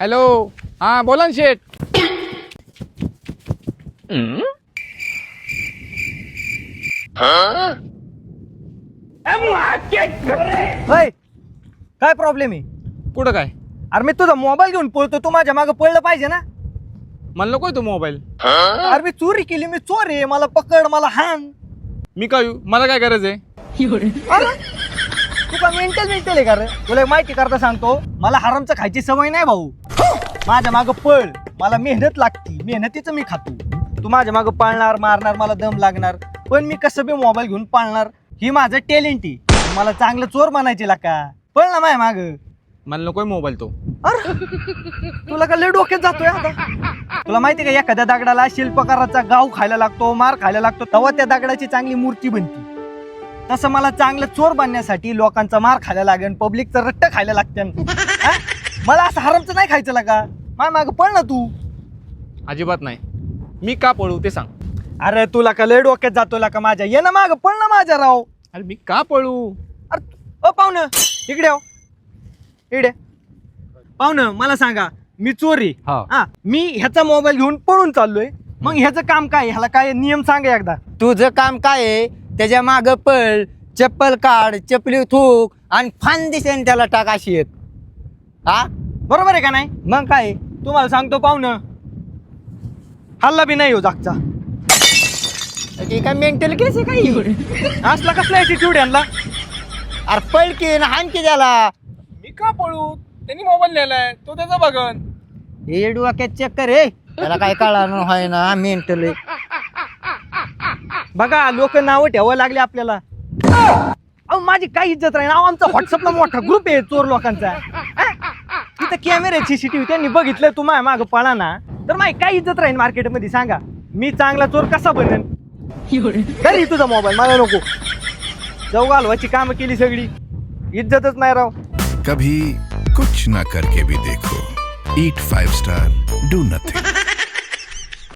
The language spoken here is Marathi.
हॅलो, हा बोला ना शेठ. होय, काय प्रॉब्लेम आहे? कुठं काय? अरे मी तुझा मोबाईल घेऊन पळतो, तू माझ्या मागे पळलं पाहिजे ना. मला नकोय तो मोबाईल. अरे मी चोरी केली, मी चोर आहे, मला पकड, मला हाण. मी काय येऊ? मला काय गरज आहे? अरे तू का मेंटल आहे का रे? तुला एक माहिती करता सांगतो, मला हरामचं खायची सवय नाही भाऊ. माझ्या मागं पळ, मला मेहनत लागती, मेहनतीचं मी खातो. तू माझ्या मागं पाळणार, मारणार, मला दम लागणार, पण मी कसं बी मोबाईल घेऊन पाळणार. ही माझं टॅलेंट आहे. मला चांगलं चोर बनायचे का? पळ ना माझ्या माग. मला नकोय मोबाईल तो. अरे तुला का लय डोक्यात जातोय आता? तुला माहिती का, एखाद्या दगडाला शिल्पकाराचा गाव खायला लागतो, मार खायला लागतो, तेव्हा त्या दगडाची चांगली मूर्ती बनते. तसं मला चांगलं चोर बनण्यासाठी लोकांचा मार खायला लागेल, पब्लिकचं रट्ट खायला लागतं. मला असं हरामचं नाही खायचं का? माझ्या माग पळ ना तू. अजिबात नाही. मी का पळू ते सांग. अरे तुला का लय डोक्यात जातोय का माझ्या? ये ना माग, पळ ना माझ्या राव. अरे मी का पळू? अरे पाहुणं इकडे आव, इकडे. पाहुणं मला सांगा, मी चोरी, हा. मी ह्याचा मोबाईल घेऊन पळून चाललोय, मग ह्याचं काम काय? ह्याला काय नियम सांगा एकदा. तुझं काम काय आहे? त्याच्या माग पळ, चप्पल काढ, चपली थूक आणि फान दिसेन त्याला टाक अशी एक. हा बरोबर आहे का नाही? मग काय? तुम्हाला सांगतो पाहुणं, हल्ला बी नाही हो जागचा. ते काय मेंटल केस आहे काही? असला कसला ऍटिट्यूड यांना? अरे पळ की ना, हाण की त्याला. मी का पळू? त्यांनी मोबाईल नेलाय, तो त्याचा बघन. हे डोक्यात चक्कर आहे, त्याला काय कळणार आहे ना मेंटल. बघा लोक नावं ठेवायला लागले आपल्याला. अहो माझी काय इज्जत राहील? आमचा व्हॉट्सअपला मोठा ग्रुप आहे चोर लोकांचा. तिथं कॅमेरे सीसीटीव्ही त्यांनी बघितलं तू माझ्या मागं पळा ना, तर माझी काय इज्जत राहील मार्केटमध्ये? सांगा, मी चांगला चोर कसा बनेन? तरी तुझा मोबाईल मला नको. जाऊ घालवायची कामं केली सगळी, इज्जतच नाही राव. कभी कुछ ना करके भी देखो. Eat 5 star, do nothing.